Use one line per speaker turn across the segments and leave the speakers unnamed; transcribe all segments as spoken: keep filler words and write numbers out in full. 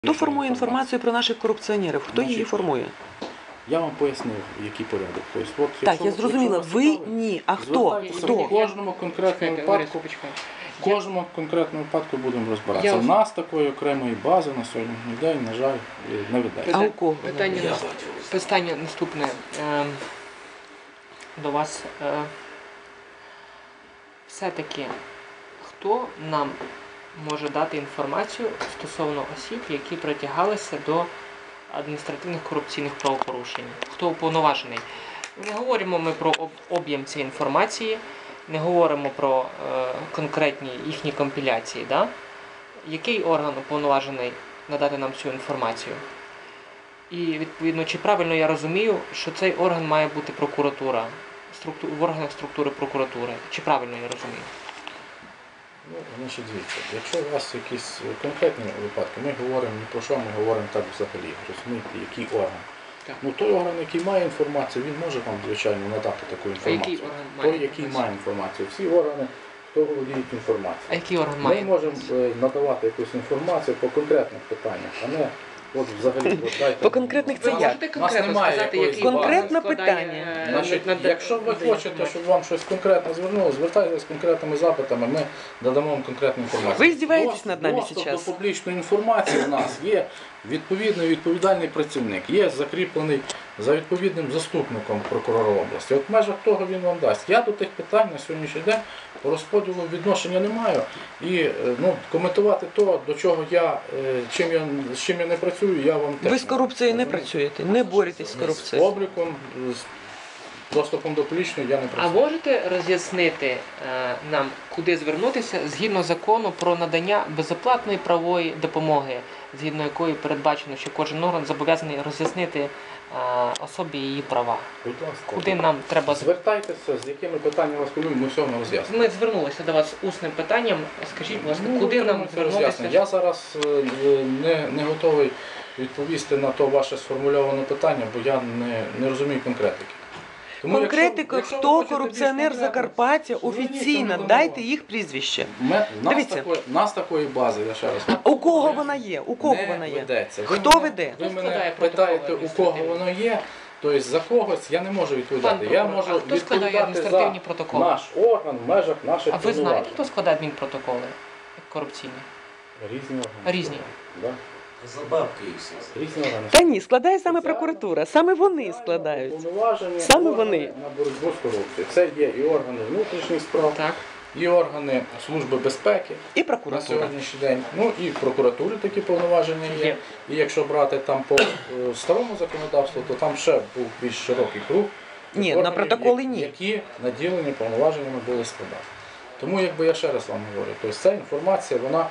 Хто формує інформацію про наших корупціонерів? Хто її формує?
Я вам пояснив, який порядок. Тобто, от,
Так, я зрозуміла. Ви ні. А хто? Хто?
В кожному конкретному випадку, в кожному конкретному випадку будемо розбиратися. У нас такої окремої бази на сьогоднішній день, на жаль, не ведеться.
А у кого?
Питання, питання наступне е, до вас. Е, все-таки, хто нам може дати інформацію стосовно осіб, які притягалися до адміністративних корупційних правопорушень? Хто уповноважений? Не говоримо ми про об'єм цієї інформації, не говоримо про е, конкретні їхні компіляції. Да? Який орган уповноважений надати нам цю інформацію? І, відповідно, чи правильно я розумію, що цей орган має бути прокуратура, структу... в органах структури прокуратури? Чи правильно я розумію?
Ну, значить, дивіться, якщо у вас якісь конкретні випадки, ми говоримо не про що, ми говоримо так взагалі, розумієте, який орган. Так. Ну, той орган, який має інформацію, він може вам, звичайно, надати таку інформацію.
А який орган має
той, який має інформацію. Всі органи, хто володіють інформацією.
А який орган має?
Ми можемо надавати якусь інформацію по конкретних питаннях, а не от взагалі. От, дайте,
По конкретних це
Ви
як?
можете конкретно сказати, який
Конкретне
орган складає,
питання.
е,
Значить,
над-
якщо ви хочете, щоб вам щось конкретно звернуло, звертайтеся з конкретними запитами, ми надамо вам конкретну інформацію.
Ви здіваєтесь над нами
Доступ
зараз?
до публічної інформації у нас є відповідний відповідальний працівник, є закріплений за відповідним заступником прокурора області. От в межах того він вам дасть. Я до тих питань на сьогоднішній день по розподілу відношення не маю. І ну, коментувати то, до чого я, чим я, з чим я не працюю, я вам теж
Ви з корупцією не працюєте, не боретесь з
з
корупцією.
обліком, з доступом до публічної я не
А
працюю.
можете роз'яснити е, нам, куди звернутися згідно закону про надання безоплатної правової допомоги, згідно якої передбачено, що кожен орган зобов'язаний роз'яснити е, особі її права?
Будь ласка.
Куди нам треба звернутися?
Звертайтеся, з якими питаннями вас хвилюють, ми все вам роз'яснимо.
Ми звернулися до вас усним питанням. Скажіть, будь ласка,
Ну,
куди нам
отримуйте
звернутися?
роз'яснення. Я зараз е, не, не готовий відповісти на то ваше сформульоване питання, бо я не, не розумію конкретики. Тому
Конкретика,
якщо- якщо ви
хто
хочете
корупціонер
більш
Закарпаття,
зверніться
офіційно,
на
дайте
допомогу.
їх прізвище.
Ми, нас,
Дивіться.
такої, нас такої бази, я ще раз
У кого вона є? У кого
не
вона є?
ведеться. Ви
Хто
мене-
веде?
Ви
Хто
мене
складає
питаєте,
протоколи
у кого воно є, тобто за когось я не можу відповідати.
Пан
Я
прокурор,
можу
а хто складає
відповідати
адміністративні
за
протоколи?
наш орган в межах наших
А ви знаєте,
повноважень.
хто складає адмінпротоколи корупційні?
Різні органи.
Різні.
Да.
За бабки їх всі.
Різні органи.
Та ні, складає саме прокуратура, саме вони складають.
Уповноважені
Саме
органи
вони.
на боротьбу з корупцією. Це є і органи внутрішніх справ,
Так.
і органи Служби безпеки
І
на
прокуратура.
сьогоднішній день. Ну і в прокуратурі такі повноваження є.
Є.
І якщо брати там по е, старому законодавству, то там ще був більш широкий круг.
Ні,
органів,
на протоколи
я-
ні.
Які наділені повноваженнями були складати. Тому, якби я ще раз вам говорю, тобто ця інформація, вона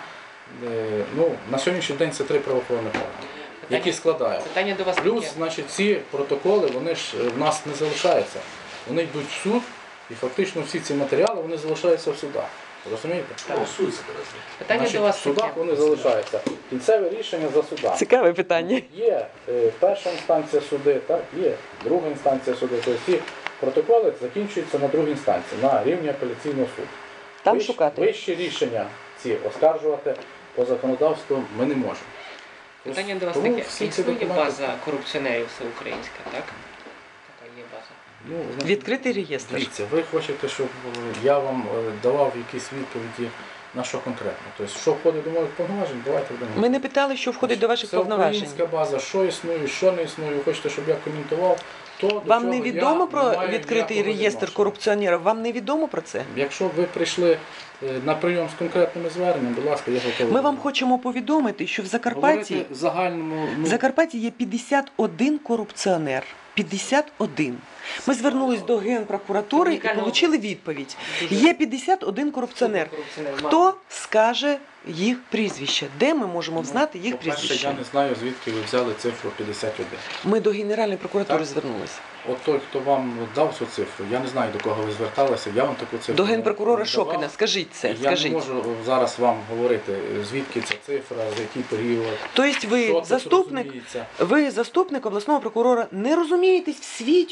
е, ну, на сьогоднішній день це три правоохоронних органи, які складають.
Питання до вас
Плюс,
таке.
значить, ці протоколи, вони ж в нас не залишаються. Вони йдуть в суд, і фактично всі ці матеріали вони залишаються в судах. Розумієте?
Голосується зараз.
Питання
Значить,
до вас
в судах
таке.
вони залишаються. Кінцеве рішення за судами.
Цікаве питання.
Є е, перша інстанція суди, так, є друга інстанція суди. Тобто ці протоколи закінчуються на другій інстанції, на рівні апеляційного суду.
Там
Вищ-
шукати.
Вищі рішення ці оскаржувати по законодавству ми не можемо.
Питання до вас
Тому
таке.
всі ці
Існує
документи-
база корупціонерів всеукраїнська, так? Така є база.
Ну, значить,
Відкритий реєстр.
Дивіться, ви хочете, щоб е, я вам е, давав якісь відповіді на що конкретно. Тобто, що входить до моїх повноважень, давайте будемо.
Ми не питали, що входить до ваших
Це
повноважень.
українська база, що існує, що не існує. Ви хочете, щоб я коментував, то до
Вам
чого
не
я
відомо про
не маю
відкритий
ніякого
реєстр
відношення.
корупціонерів? Вам не відомо про це?
Якщо ви прийшли е, на прийом з конкретними зверненнями, будь ласка, я готовий.
Ми вам хочемо повідомити, що в Закарпатті,
Говорити в загальному, ну,
в Закарпатті є п'ятдесят один корупціонер. п'ятдесят один. Ми звернулись до Генпрокуратури і
Унікального-
отримали відповідь.
Дуже
Є п'ятдесят один корупціонер.
корупціонер.
Хто скаже їх прізвище? Де ми можемо знати їх
по-перше,
прізвище?
я не знаю, звідки ви взяли цифру п'ятдесят один.
Ми до Генеральної прокуратури
Так.
звернулися.
От той, хто вам дав цю цифру, я не знаю, до кого ви зверталися, я вам таку цифру
До
не-
генпрокурора
не давав.
Шокіна. Скажіть це,
Я
скажіть.
не можу зараз вам говорити, звідки ця цифра, за який період,
Тобто
що
ви
тут
заступник,
розуміється.
ви заступник обласного прокурора, не розумієтесь в світі, що робиться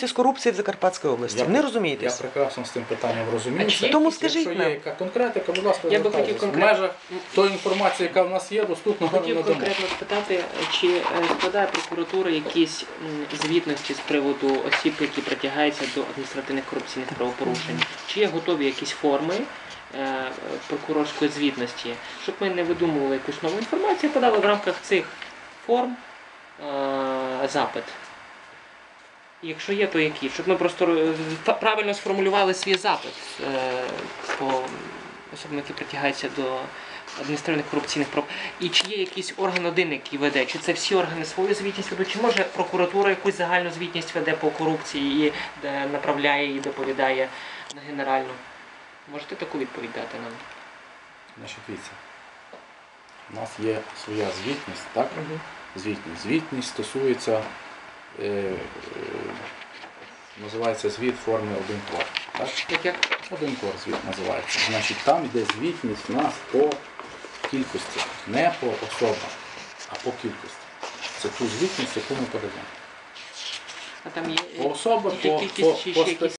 стикаються з корупцією в Закарпатській області.
Я-
Не
Я
розумієтесь?
прекрасно з тим питанням розуміюся.
А чи є
Тому
якісь-
скажіть
Якщо є
нам.
яка конкретика, будь ласка,
Я би хотів
звертайтеся. В
конкретно-
межах тої інформації, яка в нас є, доступно
Хотів
надамо.
конкретно спитати, чи е, складає прокуратура якісь м, звітності з приводу осіб, які притягаються до адміністративних корупційних правопорушень? Чи є готові якісь форми е, прокурорської звітності, щоб ми не видумували якусь нову інформацію, подали в рамках цих форм е, запит? Якщо є, то які? Щоб ми просто е, та- правильно сформулювали свій запит е, по особам, які притягаються до адміністративних корупційних прав. І чи є якийсь орган один, який веде? Чи це всі органи свою звітність ведуть? Чи може прокуратура якусь загальну звітність веде по корупції і де направляє і доповідає на генеральну? Можете таку відповідь дати нам?
Значить, дивіться, у нас є своя звітність, так? Звітність. Звітність стосується, е, е, називається звіт форми один кор. Так?
Як як?
Один кор звіт називається. Значить, там йде звітність у нас по кількості, не по особам, а по кількості. Це ту звітність, яку ми передаємо.
А там є
По особам,
є
по,
кількість
по,
чи
по
ще якісь